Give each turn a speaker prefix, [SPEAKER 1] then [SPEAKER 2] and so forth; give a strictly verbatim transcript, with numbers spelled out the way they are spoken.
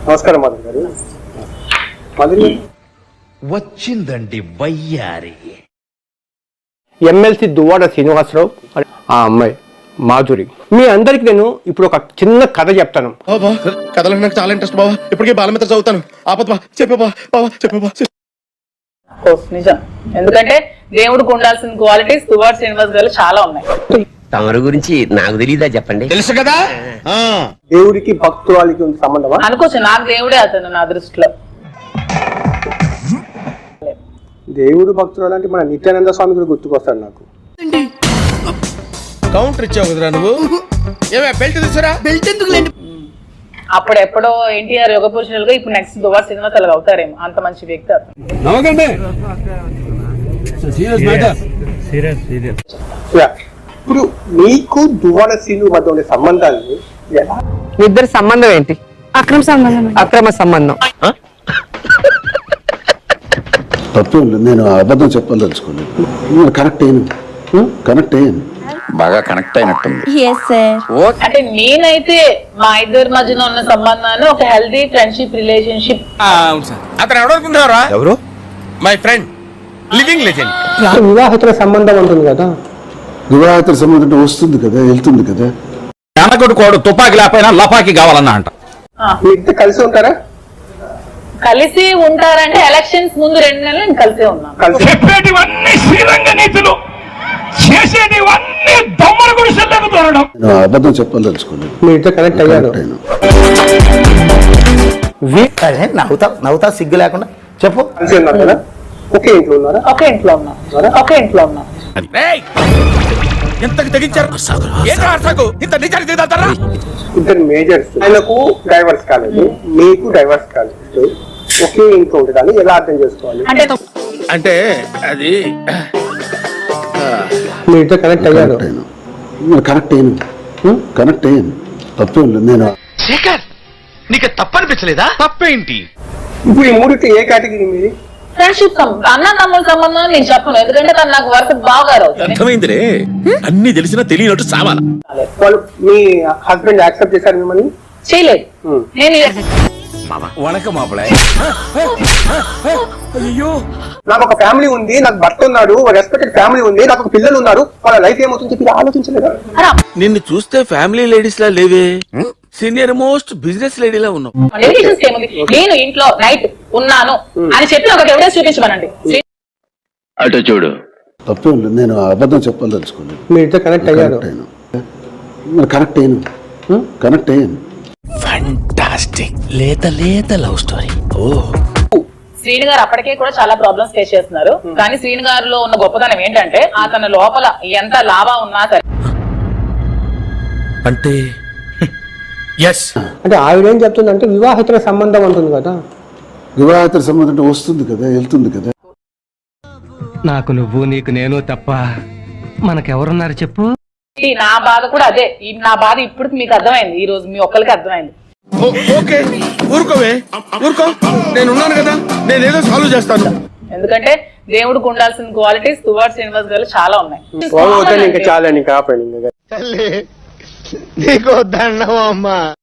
[SPEAKER 1] నమస్కారం మాధురి గారు. మాధురి
[SPEAKER 2] వచ్చిందండి వయ్యారి.
[SPEAKER 1] ఎమ్మెల్సీ దువ్వాడ శ్రీనివాసరావు ఆ అమ్మాయి మాధురి. మీ అందరికి నేను ఇప్పుడు ఒక చిన్న కథ చెప్తాను.
[SPEAKER 3] కథలకు నాకు చాలా ఇంట్రెస్ట్ బావా. ఇప్పటికే బాలమిత్ర చదువుతాను. ఆపద్ బా చెప్పే బా బావా చెప్పే బా.
[SPEAKER 4] నిజం, ఎందుకంటే దేవుడికి ఉండాల్సిన క్వాలిటీస్ దువ్వాడ శ్రీనివాస్ గారు చాలా ఉన్నాయి.
[SPEAKER 5] తమరి గురించి నాకు తెలీదా చెప్పండి.
[SPEAKER 3] తెలుసు కదా.
[SPEAKER 1] దేవుడికి భక్తురాలికి ఉంది సంబంధమా
[SPEAKER 4] అనుకోవచ్చు, నాకు దేవుడే అతను నా దృష్టిలో.
[SPEAKER 1] దేవుడు భక్తురాలు అంటే మన నిత్యానంద స్వామి కూడా గుర్తుకొస్తాడు నాకు.
[SPEAKER 3] కౌంటర్ ఇచ్చావు కదరా నువ్వు. ఏమే బెల్ట్ తీసురా. బెల్ట్ ఎందుకు లేండి.
[SPEAKER 4] అప్పుడు ఎప్పుడో ఎన్టీఆర్ యోగ పురుషులుగా ఇప్పుడు నెక్స్ట్ దువ్వాడ శ్రీనివాస్ అలాగ అవుతారేమో, అంత మంచి వ్యక్తి అతను.
[SPEAKER 1] ఇప్పుడు మీకు దువ్వాడ శ్రీను మధ్య ఉండే సంబంధాన్ని ఎలా?
[SPEAKER 6] ఇద్దరు సంబంధం ఏంటి? అక్రమ సంబంధం. అక్రమ సంబంధం.
[SPEAKER 7] తప్పు నేను అబద్ధం చెప్పదలుచుకోలేదు. కరెక్ట్ అయ్యాను కరెక్ట్ అయ్యాను
[SPEAKER 2] బాగా కనెక్ట్ అయినట్టుంది.
[SPEAKER 4] అంటే నేనైతే మా ఇద్దరి మధ్యన ఉన్న సంబంధాన్ని ఒక హెల్దీ ఫ్రెండ్షిప్ రిలేషన్షిప్.
[SPEAKER 3] అతను ఎవరనుకుంటున్నారా? ఎవరు? My friend, living legend.
[SPEAKER 1] వివాహితుల సంబంధం ఉంటుంది కదా.
[SPEAKER 7] వివాహితుల సంబంధం వస్తుంది కదా, వెళ్తుంది కదా.
[SPEAKER 2] కొడుకోడు తుపాకి లేకపోయినా లపాకి కావాలన్నా అంట.
[SPEAKER 1] మీ ఇద్దరు కలిసి ఉంటారా?
[SPEAKER 4] కలిసి ఉంటారంటే ఎలక్షన్స్ ముందు రెండు నెలలు నేను కలిసే ఉన్నాను.
[SPEAKER 2] చెప్పేటివన్నీ శ్రీరంగ నీతులు, చేసేటివన్నీ దొమ్మల గుడిసెల్లోకి దూరడం.
[SPEAKER 7] నేను అబద్ధం చెప్పదలుచుకోలేదు.
[SPEAKER 1] మీ ఇద్దరు కనెక్ట్ అయ్యారు.
[SPEAKER 5] నవ్వుతా నవ్వుతా సిగ్గు లేకుండా చెప్పు.
[SPEAKER 1] కలిసి ఉన్నారు కదా. ఒకే ఇంట్లో ఉన్నారా?
[SPEAKER 4] ఒకే ఇంట్లో ఉన్నాం. ఒకే ఇంట్లో ఉన్నాం.
[SPEAKER 3] ఎంతకు తెగించారు?
[SPEAKER 1] ఇద్దరు మేజర్స్. ఆయనకు డైవర్స్ కాలేదు, మీకు డైవర్స్ కాలేదు. ఒకే ఇంట్లో ఉండడాన్ని ఎలా అర్థం చేసుకోవాలి?
[SPEAKER 4] అంటే
[SPEAKER 3] అంటే అది
[SPEAKER 1] మీ ఇద్దరు కనెక్ట్ అయ్యారు.
[SPEAKER 7] కరెక్ట్ అయ్యాను కరెక్ట్ అయ్యాను తప్పు నేను.
[SPEAKER 2] శేఖర్, నీకు తప్పనిపించలేదా? తప్పేంటి?
[SPEAKER 1] ఇప్పుడు ఈ మూడిట్లో ఏ కేటగిరీ మీది?
[SPEAKER 4] ఫ్రెండ్షిప్ అన్న తమ్ముల సంబంధం నేను చెప్పను, ఎందుకంటే తను నాకు వర్క్ బాగా అవుతుంది.
[SPEAKER 3] అర్థమైందిరే, అన్ని తెలిసినా తెలియనట్టు సావాల.
[SPEAKER 1] వాళ్ళు మీ హస్బెండ్ యాక్సెప్ట్ చేశారు మిమ్మల్ని?
[SPEAKER 4] చేయలేదు. నేను
[SPEAKER 3] వణక మాపలే.
[SPEAKER 1] నాకు ఒక ఫ్యామిలీ ఉంది, నాకు భర్త ఉన్నాడు, రెస్పెక్టెడ్ ఫ్యామిలీ ఉంది, నాకు ఒక పిల్లలు ఉన్నారు, వాళ్ళ లైఫ్ ఏమవుతుంది చెప్పి ఆలోచించలేదా?
[SPEAKER 3] నిన్ను చూస్తే ఫ్యామిలీ లేడీస్ లా లేవే, సీనియర్ మోస్ట్ బిజినెస్ లేడీలా ఉన్నావు.
[SPEAKER 4] నేను ఇంట్లో నైట్ ఉన్నాను అని చెప్పి ఒక ఎవిడెన్స్ చూపించమనండి.
[SPEAKER 2] అటు చూడు.
[SPEAKER 7] తప్పు నేను అబద్ధం చెప్పదలుచుకోలేదు.
[SPEAKER 1] మీ ఇద్దరు కనెక్ట్ అయ్యారు.
[SPEAKER 7] కరెక్ట్ అయ్యాను కరెక్ట్ అయ్యాను.
[SPEAKER 2] ఫంటాస్టిక్ లేత లేత లవ్ స్టోరీ. ఓ
[SPEAKER 4] శ్రీను గారు అప్పటికే కూడా చాలా ప్రాబ్లమ్స్ ఫేస్ చేస్తున్నారు, కానీ శ్రీను గారిలో ఉన్న గొప్పతనం ఏంటంటే అతను లోపల ఎంత లాభా ఉన్నా సరే.
[SPEAKER 3] అంటే
[SPEAKER 1] అంటే ఆవిడ ఏం చెప్తుందంటే వివాహితుల సంబంధం ఉంటుంది కదా.
[SPEAKER 7] వివాహితుల సంబంధం వస్తుంది కదా, వెళ్తుంది కదా.
[SPEAKER 8] నాకు నువ్వు నీకు నేను తప్ప మనకెవరున్నారు చెప్పు.
[SPEAKER 4] నా బాధ కూడా అదే. నా బాధ ఇప్పుడు మీకు అర్థమైంది, ఈ రోజు మీ ఒక్కరికి అర్థమైంది.
[SPEAKER 3] ఓకే ఊరుకోవే ఊరుకో, నేను ఉన్నాను కదా, నేను ఏదో సాల్వ్ చేస్తాను.
[SPEAKER 4] ఎందుకంటే దేవుడికి ఉండాల్సిన క్వాలిటీస్ దువ్వాడ శ్రీనివాస్ గారు చాలా ఉన్నాయి.
[SPEAKER 1] ఇంకా చాలా నీకు దండం అమ్మా.